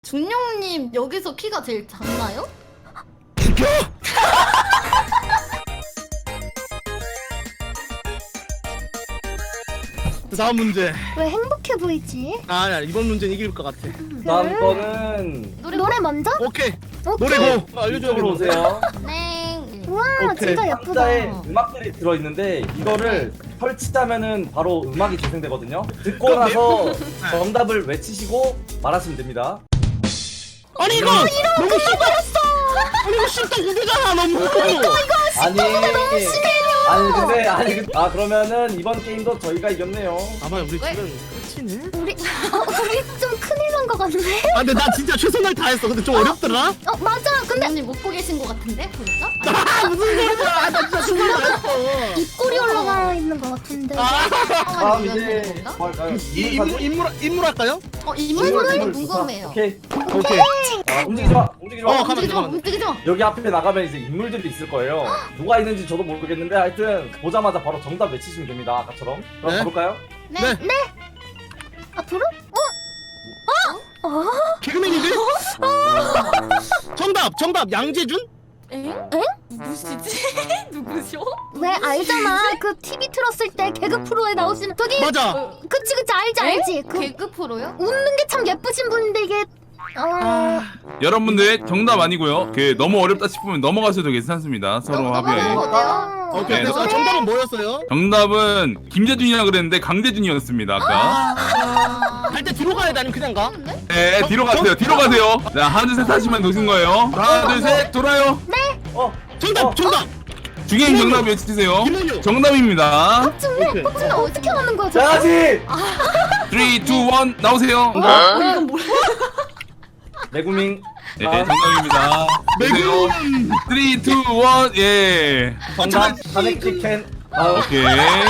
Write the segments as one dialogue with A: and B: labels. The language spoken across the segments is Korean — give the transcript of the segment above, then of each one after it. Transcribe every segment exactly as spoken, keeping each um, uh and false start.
A: 중령님 여기서 키가 제일 작나요?
B: 비켜! 다음 문제.
C: 왜 행복해 보이지?
B: 아니야, 이번 문제는 이길 것 같아.
D: 다음 거는
A: 노래
C: 노래 먼저?
B: 오케이.
C: 오케이.
B: 노래 고. 알려줘야
D: 이쪽으로
B: 겠는데.
D: 오세요.
A: 네.
C: 우와
B: 오케이.
C: 진짜 예쁘다.
D: 상자에 음악들이 들어있는데 이거를 설치하면은 바로 음악이 재생되거든요. 듣고
B: 그럼
D: 나서 정답을 외치시고 말하시면 됩니다.
B: 아니 이거 너무 쉽다. 아니 이거 쉽다 이거잖아 너무.
D: 아니 아니 근데 아니 그- 아 그러면은 이번 게임도 저희가 이겼네요.
B: 아마 우리
A: 왜?
B: 지금 끝이네.
C: 우리 어, 우리 좀 큰일 난 것 같네.
B: 아 근데 나 진짜 최선을 다했어. 근데 좀 어렵더라.
C: 어 맞아. 근데
A: 중령님 못 보고 계신 것 같은데 보니까?
B: 아 무슨 소리야? 아, 나 진짜 최선을 다했어.
C: 입꼬리 올라가 있는 것 같은데.
B: 아,
D: 다음
A: 이건
D: 이제
A: 되는 건가?
D: 뭐 할까요?
B: 이 인물 인물 인물 할까요?
A: 어
D: 인물,
A: 인물이
D: 인물 조사.
A: 궁금해요.
D: 오케이.
B: 오케이.
D: 아, 움직이지 마. 움직이지 마.
B: 어, 가만-
A: 움직이지 마,
B: 가만.
A: 움직이지 마.
D: 여기 앞에 나가면 이제 인물들이 있을 거예요. 누가 있는지 저도 모르겠는데 하여튼 보자마자 바로 정답 외치시면 됩니다. 아까처럼. 그럼
B: 네.
D: 가볼까요?
A: 네.
B: 네.
C: 앞으로? 어? 어?
B: 개그맨인데? 정답 정답 양재준?
A: 엥?
C: 엥?
A: 누구시지? 누구셔?
C: 왜 알잖아. 그 티비 틀었을 때 개그 프로에 나오시는 저기.
B: 맞아.
A: 어,
C: 그치 그치 알지 알지. 그
A: 개그 프로요?
C: 웃는 게 참 예쁘신 분인데 이게. 어.
E: 여러분들 정답 아니고요. 그 너무 어렵다 싶으면 넘어가셔도 괜찮습니다. 서로
A: 어,
E: 합의하에.
A: 넘어가는 거네요.
B: 오케이.
E: 네.
B: 아, 정답은 뭐였어요?
E: 정답은 김재준이라 그랬는데 강재준이었습니다. 아까.
A: 아.
B: 갈 때 뒤로 가야 돼 아니면 그냥 가?
A: 근데?
E: 네, 뒤로 가세요. 뒤로 가세요. 자, 하나 둘 셋 하시면 노신 거예요. 하나 둘 셋 돌아요.
D: 어.
B: 정답
D: 어.
B: 정답.
E: 중행 정답 외치세요.
B: 김원효.
E: 정답입니다.
B: 오케이.
C: 근데 어떻게 하는 거야?
D: 자, 같이
E: 삼, 이, 일 나오세요.
A: 어, 이건 뭐야?
D: 내구밍.
E: 네,
D: 아,
E: 정답입니다. 보세요.
B: 매군.
E: 삼, 이, 일 예.
D: 정답. 가넥티캔. 아,
E: 오케이.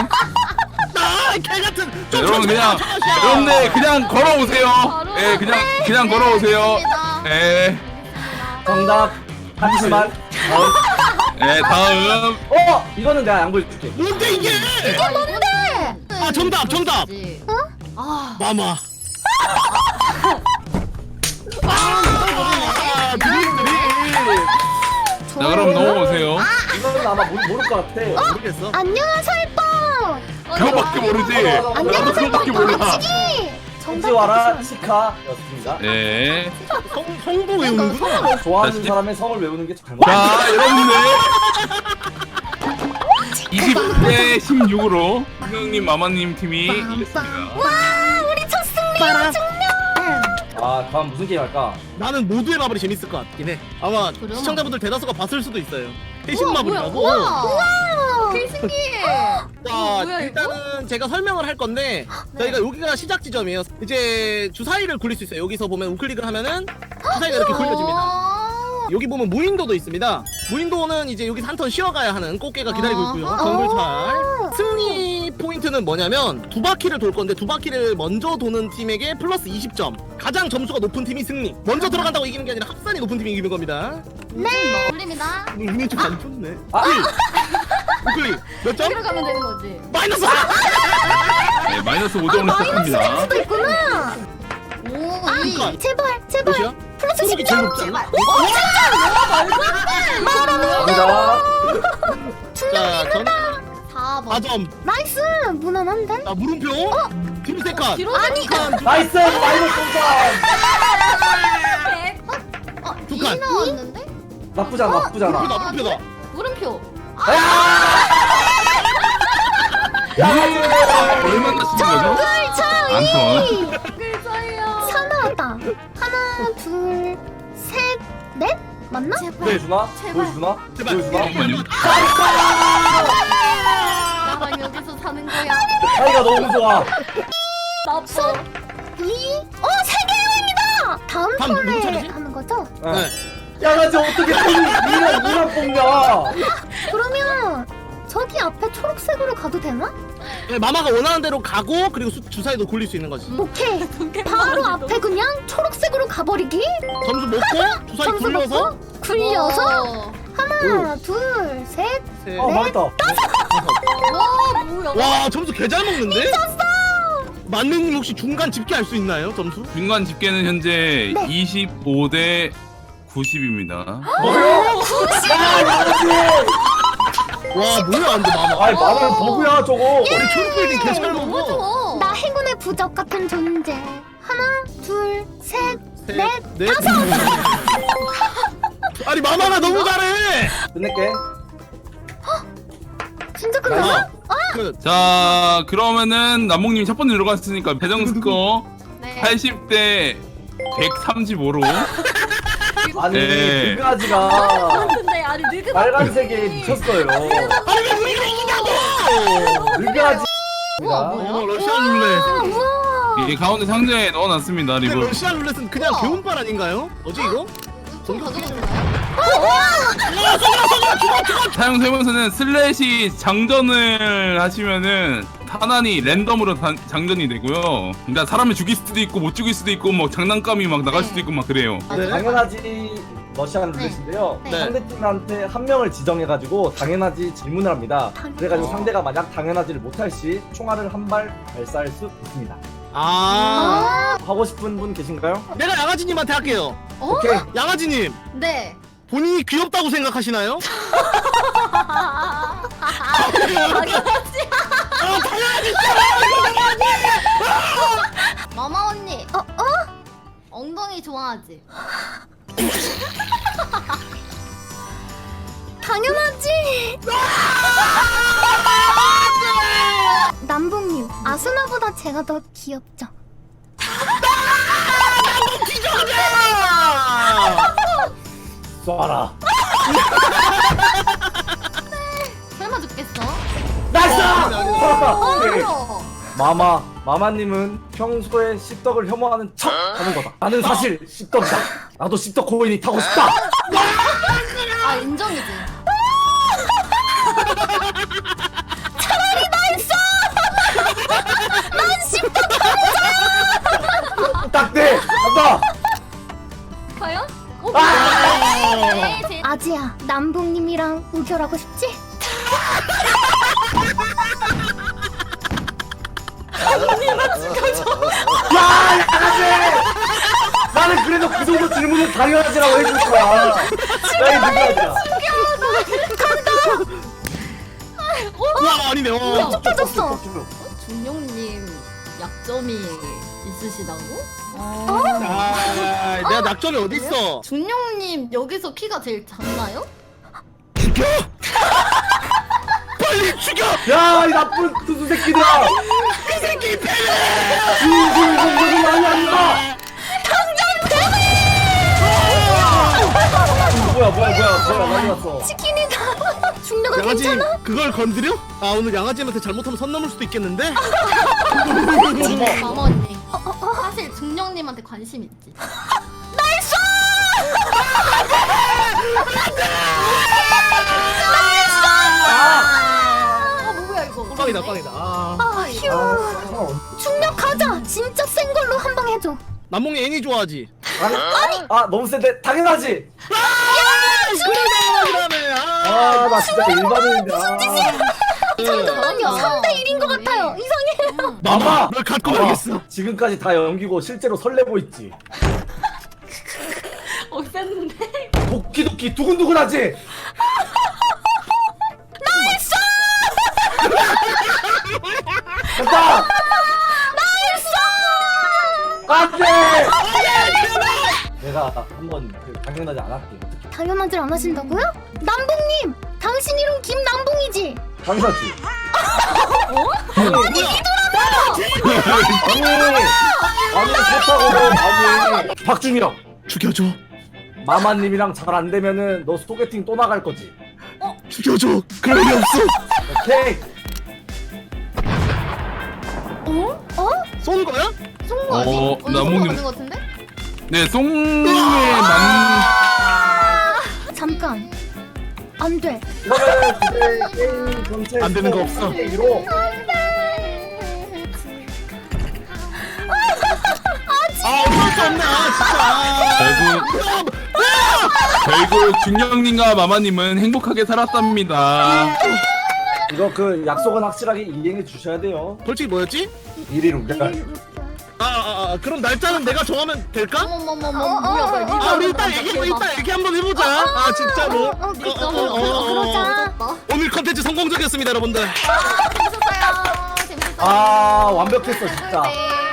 B: 아개 같은.
E: 자, 여러분 그냥 여러분들 그냥 걸어오세요.
A: 바로.
E: 예, 그냥 그냥 걸어오세요.
A: 알겠습니다.
E: 예.
D: 정답. 한시만. 다음.
E: 예, 다음.
D: 어, 이거는 내가 양보해줄게.
B: 뭔데 이게?
A: 아, 뭔데?
B: 아, 정답, 정답.
A: 어? 아.
B: 마마. 아, 드림 드림.
E: 자, 그럼 넘어오세요.
D: 이거는 아마 모르, 모를 것 같아.
B: 모르겠어.
C: 안녕하세요 이뻐.
E: 그거밖에 모르지. 나도
C: 안녕하세요
E: 그거밖에 몰라.
C: 이
D: 홍지와라 시카였습니다.
E: 예.
B: 성 성도 외우는구나.
D: 좋아하는
E: 자,
D: 사람의 성을 외우는 게 잘못.
E: 자, 여러분들. 이십 대 십육으로 김영님, 마마님 팀이 이겼습니다.
C: 와 우리 첫 승리야 중령.
D: 아, 다음 무슨 게임 할까?
B: 나는 모두의 마블이 재밌을 것 같긴 해. 아마
A: 그래요?
B: 시청자분들 대다수가 봤을 수도 있어요. 회신
A: 우와,
B: 마블이라고.
A: 뭐야, 우와.
C: 와.
A: 되게 신기해.
B: 자,
A: 뭐야, 이거?
B: 일단은 제가 설명을 할 건데 저희가 여기가 시작 지점이에요. 이제 주사위를 굴릴 수 있어요. 여기서 보면 우클릭을 하면은 주사위가 이렇게 굴려집니다.
A: 아.
B: 여기 보면 무인도도 있습니다. 무인도는 이제 여기서 한 턴 쉬어가야 하는 꽃게가 기다리고 있고요.
A: 아하.
B: 정글찰. 승리 포인트는 뭐냐면 두 바퀴를 돌 건데 두 바퀴를 먼저 도는 팀에게 플러스 이십 점. 가장 점수가 높은 팀이 승리. 먼저 들어간다고 이기는 게 아니라 합산이 높은 팀이 이기는 겁니다.
A: 네. 올립니다.
B: 오늘 운이 좀 안 좋네.
D: 아!
B: 우클릭 몇 점?
A: 여기로 가면 되는 거지.
B: 마이너스!
E: 네, 마이너스 오 점으로 시작합니다.
C: 수도 있구나.
A: 오,
C: 아
A: 이.
C: 제발 제발.
B: 몇이야?
C: 플러스
B: 소속이
C: 십
B: 제일
C: 점.
B: 높지 않나?
D: 갑니다.
B: 자, 전
A: 사 번.
B: 사 점.
C: 나이스 무난한데?
B: 자, 물음표. 팀 세칸.
A: 뒤로
C: 아니
D: 나이스! 마이너스 동점!
A: 어,
B: 두
A: 이
B: 칸.
A: 나왔는데?
D: 나쁘지 않아, 나쁘지 않아.
B: 물음표다, 물음표다.
A: 물음표.
E: 얼마나 쓰는 거죠? 안 턴.
A: 글자예요.
C: 사 나왔다. 하나 둘셋넷 맞나?
A: 제발.
D: 보여주나?
A: 제발.
D: 보여주나?
B: 제발.
D: 보여주나?
E: 잠깐만요.
A: 나랑 여기서 사는 거야.
D: 사이가 너무 좋아.
A: 나빠.
C: 이. 어 세 개입니다. 다음
B: 다음 누구
C: 턴에
B: 차례지?
C: 하는 거죠?
B: 네.
D: 야, 나 지금 어떻게 이만 이만 뽑냐?
C: 그러면 저기 앞에 초록색으로 가도 되나?
B: 네, 마마가 원하는 대로 가고 그리고 수, 주사위도 굴릴 수 있는 거지.
C: 오케이. 바로 앞에 그냥 초록색으로 가버리기.
B: 점수 먹고 주사위
C: 점수
B: 굴려서
C: 먹고 굴려서
A: 어.
C: 하나 둘 셋.
B: 세.
D: 어, 맞다.
A: 와, 뭐야.
B: 와 점수 개 잘 먹는데? 만능님 혹시 중간 집계 알 수 있나요? 점수?
E: 중간 집계는 현재
C: 네.
E: 이십오 대 구십입니다.
D: 뭐요?
B: 와 뭐야 안돼 마마.
D: 아이 마마는 버그야 저거.
B: 우리 초록빌딩 개잘
A: 너무
B: 먹어.
A: 좋아.
C: 나 행운의 부적 같은 존재. 하나, 둘, 셋, 넷.
B: 넷. 아니 마마가 너무 잘해.
D: 끝낼게.
C: 진짜 끝났어?
B: 그
E: 자 그러면은 남몽님 첫 번째 들어갔으니까 배정 스코어
A: 네.
E: 팔십 대 백삼십오로
D: 아니
E: 네.
D: 그가지가
A: 근데 아니 늙은
D: 빨간색에 미쳤어요. 그가지.
A: 우와
B: 어
A: 뭐야?
B: 러시안 룰렛.
C: 아, 우와.
E: 이 가운데 상자에 넣어놨습니다.
B: 근데
E: 리브.
B: 러시안 룰렛은 그냥
A: 우와.
B: 개운빨 아닌가요? 뭐지 이거?
A: 좀 가져가줄까요?
E: 사용 설명서는 슬래시 장전을 하시면은 탄환이 랜덤으로 단- 장전이 되고요. 그러니까 사람을 죽일 수도 있고 못 죽일 수도 있고 뭐 장난감이 막 나갈 수도 있고 막 그래요.
B: 네.
D: 당연하지 러시안 룰렛인데요.
A: 네.
D: 상대팀한테 한 명을 지정해가지고 당연하지 질문을 합니다. 그래가지고
B: 어.
D: 상대가 만약 당연하지를 못할 시 총알을 한 발 발사할 수 있습니다.
B: 아
D: 하고 싶은 분 계신가요?
B: 내가 양아지님한테 할게요.
A: 어?
D: 오케이.
B: 양아지님
A: 네.
B: 본인이 귀엽다고 생각하시나요?
A: 마마 언니.
C: 어, 어?
A: 엉덩이 좋아하지?
C: 당연하지. 남봉님, 아스나보다 제가 더 귀엽죠?
D: 쏴라.
A: 설마 죽겠어?
D: 나이스!
A: 어,
D: 오케이.
A: 어.
D: 마마, 마마님은 평소에 씹덕을 혐오하는 척 하는 거다. 나는 사실 씹덕이다. 나도 씹덕 코인이 타고 싶다.
A: 아 인정이지.
D: 딱대! 간다!
A: 과연? 오,
D: 아!
A: 네, 제...
C: 아지야, 남봉님이랑 우결하고 싶지?
D: 야, 양아지! 나는 그래도 그 정도 질문은 당연하지라고 해줄 거야. 나이 누구야?
B: 와 아니네. 어.
C: 터졌어.
A: 준용님 약점이 있으시다고? 어?
B: 아, 내가 낙점이 어디 있어?
A: 준용님 여기서 키가 제일 작나요?
B: 죽여! 빨리 죽여!
D: 야, 이 나쁜 투수 새끼들아!
B: 이 새끼 패!
D: 이거 이거 이거 많이 아니다! 뭐야 뭐야 뭐야 뭐야 많이 왔어.
C: 치킨이다. 중력은
B: 양아지
C: 괜찮아?
B: 그걸 건드려? 아 오늘 양아지한테 잘못하면 선 넘을 수도 있겠는데?
A: 마마 언니. 사실 준용님한테 관심 있지. 아, 뭐야 이거?
B: 빵이다 빵이다. 아.
C: 아, 휴. 중력 가자. 진짜 센 걸로 한 방 해줘.
B: 남몽이 애니 좋아하지?
D: 아니 아 너무 센데 당연하지.
B: 그러네. 아.
D: 아 나 진짜 일반인인데. 아.
C: 잠깐만요. 삼 대 일인 것 같아요. 이상해요.
B: 마마 널 갖고
D: 마마,
B: 가겠어.
D: 지금까지 다 연기고 실제로 설레고 있지.
A: 어 셌는데.
D: 도끼도끼 두근두근하지. 나이스. 간다. 안돼. 내가 한번 그 당연하지 않았게.
C: 당연하질 안 하신다고요? 남봉님, 당신 이름 김남봉이지?
D: 당연하지.
B: 뭐야?
D: 아니 아니 좋다고 아니 박준혁
B: 죽여줘.
D: 마마님이랑 잘 안 되면은 너 소개팅 또 나갈 거지.
B: 죽여줘. 그럴 리 없어.
D: 오케이.
C: 어? 어?
B: 쏜 거야?
A: 쏜거 아니?
E: 어,
A: 언니
E: 남봉님.
A: 쏜거 같은 것 같은데?
E: 네, 송의 만
C: 잠깐. 안 돼.
D: 그러면 이제 게임 전체
B: 안 되는 거 없어.
D: 로
B: 아 어쩔 수 없네. 아, 진짜.
E: 결국 결국 중령님과 마마님은 행복하게 살았답니다.
D: 이거 그 약속은 확실하게 이행해 주셔야 돼요.
B: 벌칙이 뭐였지?
D: 일 일 우결.
B: 아, 아, 아 그럼 날짜는 내가 정하면 될까?
A: 어머머머머
C: 어,
A: 뭐야
C: 어,
A: 뭐야
C: 어,
B: 아 우리 일단 얘기 일단 얘기 한번 해보자. 아 진짜로.
C: 어, 어,
B: 어, 어, 어, 어, 어.
C: 그러자.
B: 오늘 컨텐츠 성공적이었습니다 여러분들.
A: 재밌었어요 재밌었어요
D: 아 완벽했어 진짜.
A: 네.